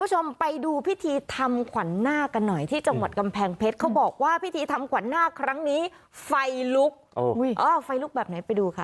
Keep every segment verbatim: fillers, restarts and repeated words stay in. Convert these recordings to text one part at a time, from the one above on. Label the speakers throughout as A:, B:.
A: ผู้ชมไปดูพิธีทำขวัญนาคกันหน่อยที่จังหวัดกำแพงเพชรเขาบอกว่าพิธีทำขวัญนาคครั้งนี้ไฟลุกโอ้อ๋อไฟลุกแบบไหนไปดูค่ะ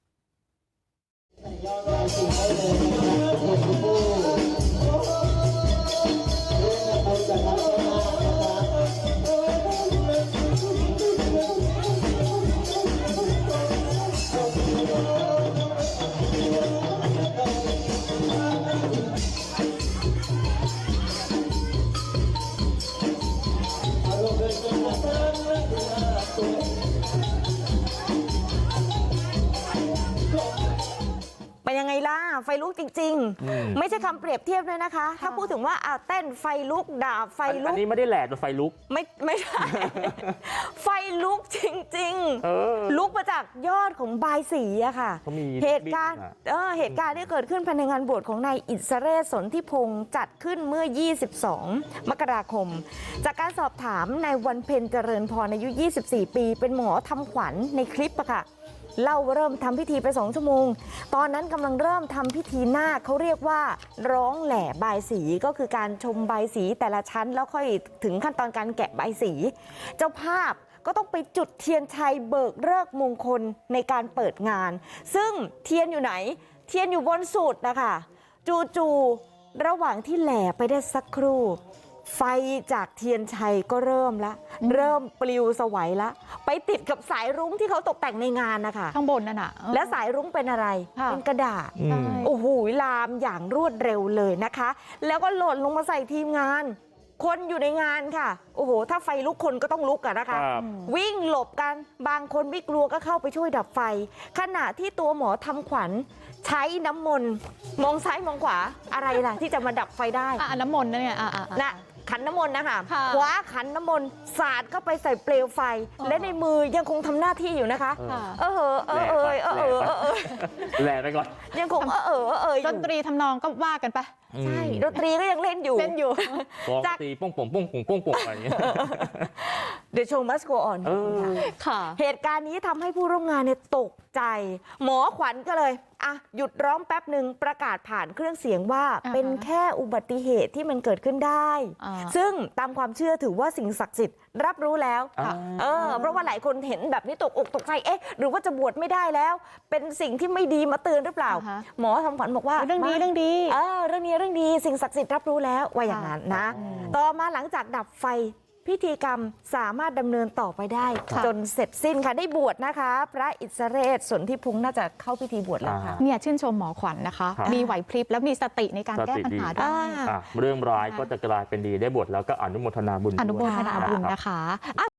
A: เป็นยังไงล่ะไฟลุกจริงๆไม่ใช่คำเปรียบเทียบเลยนะคะถ้าพูดถึงว่าเอาเต้นไฟลุกด่าไฟลุก
B: อันนี้ไม่ได้แหลกแต่ไฟลุก
A: ไม่ไม่ใช่ ไฟลุกจริงๆลุกมาจากยอดของบายสีอะค่ะเหตุการณ์เออเหตุการณ์ที่เกิดขึ้นภายในงานบวชของนายอิสเรศสนธิพงศ์จัดขึ้นเมื่อยี่สิบสองมกราคมจากการสอบถามนายวันเพ็ญเจริญพรอายุยี่สิบสี่ปีเป็นหมอทำขวัญในคลิปอะค่ะเล่าเริ่มทำพิธีไปสองชั่วโมงตอนนั้นกำลังเริ่มทำพิธีนาคเขาเรียกว่าร้องแหล่บายสีก็คือการชมบายสีแต่ละชั้นแล้วค่อยถึงขั้นตอนการแกะบายสีเจ้าภาพก็ต้องไปจุดเทียนชัยเบิกฤกษ์มงคลในการเปิดงานซึ่งเทียนอยู่ไหนเทียนอยู่บนสุดนะคะจู่ๆระหว่างที่แหล่ไปได้สักครู่ไฟจากเทียนชัยก็เริ่มละเริ่มปลิวสวัยละไปติดกับสายรุ้งที่เขาตกแต่งในงานนะคะ
C: ข้างบนนั่นน่ะ
A: และสายรุ้งเป็นอะไรเป็นกระดาษโอ้โหลามอย่างรวดเร็วเลยนะคะแล้วก็หล่นลงมาใส่ทีมงานคนอยู่ในงานค่ะโอ้โหถ้าไฟลุกคนก็ต้องลุกกันนะคะวิ่งหลบกันบางคนไม่กลัวก็เข้าไปช่วยดับไฟขณะที่ตัวหมอทำขวัญใช้น้ำมนต์มองซ้ายมองขวาอะไรล่ะที่จะมาดับไฟได้
C: อ่ะน้ำมนต์นั่นไงอ่ะ
A: นะขันน้ำมนต์นะคะคว้าขันน้ำมนต์สาดเข้าไปใส่เปลวไฟและในมือยังคงทำหน้าที่อยู่นะคะเออเออเออเออเออเออเออ
B: แหล่ไปก่อน
A: ยังคงเออเออเออ
C: ดนตรีทำนองก็ว่ากันไป
A: ใช่ดนตรีก็ยังเล่นอยู่
C: เล่นอยู่
B: จากตีป้งป่งป้งป่งป้งป่งอะไรอย่างเงี้ย
A: The show must go on ค่ะเหตุการณ์นี้ทำให้ผู้ร่วมงานเนี่ยตกใจหมอขวัญก็เลยอ่ะหยุดร้องแป๊บหนึ่งประกาศผ่านเครื่องเสียงว่าเป็นแค่อุบัติเหตุที่มันเกิดขึ้นได้ซึ่งตามความเชื่อถือว่าสิ่งศักดิ์สิทธิ์รับรู้แล้วเออเพราะว่าหลายคนเห็นแบบนี้ตกอกตกใจเอ๊ะหรือว่าจะบวชไม่ได้แล้วเป็นสิ่งที่ไม่ดีมาเตือนหรือเปล่าหมอทำขวัญบอกว่า
C: เรื่องดีเรื่องดี
A: เออเรื่องนี้เรื่องดีสิ่งศักดิ์สิทธิ์รับรู้แล้วว่าอย่างนั้นนะต่อมาหลังจากดับไฟพิธีกรรมสามารถดำเนินต่อไปได้จนเสร็จสิ้นค่ะได้บวชนะคะพระอิสเรศสนธิพงศ์น่าจะเข้าพิธีบวชแล้วค่ะ
C: เนี่ยชื่นชมหมอขวัญนะคะมีไหวพริบแล้วมีสติในการแก้ปัญหาด้วย
B: เรื่องร้ายก็จะกลายเป็นดีได้บวชแล้วก็อนุโมทนาบุญ
C: อนุโมทนาบุญนะคะ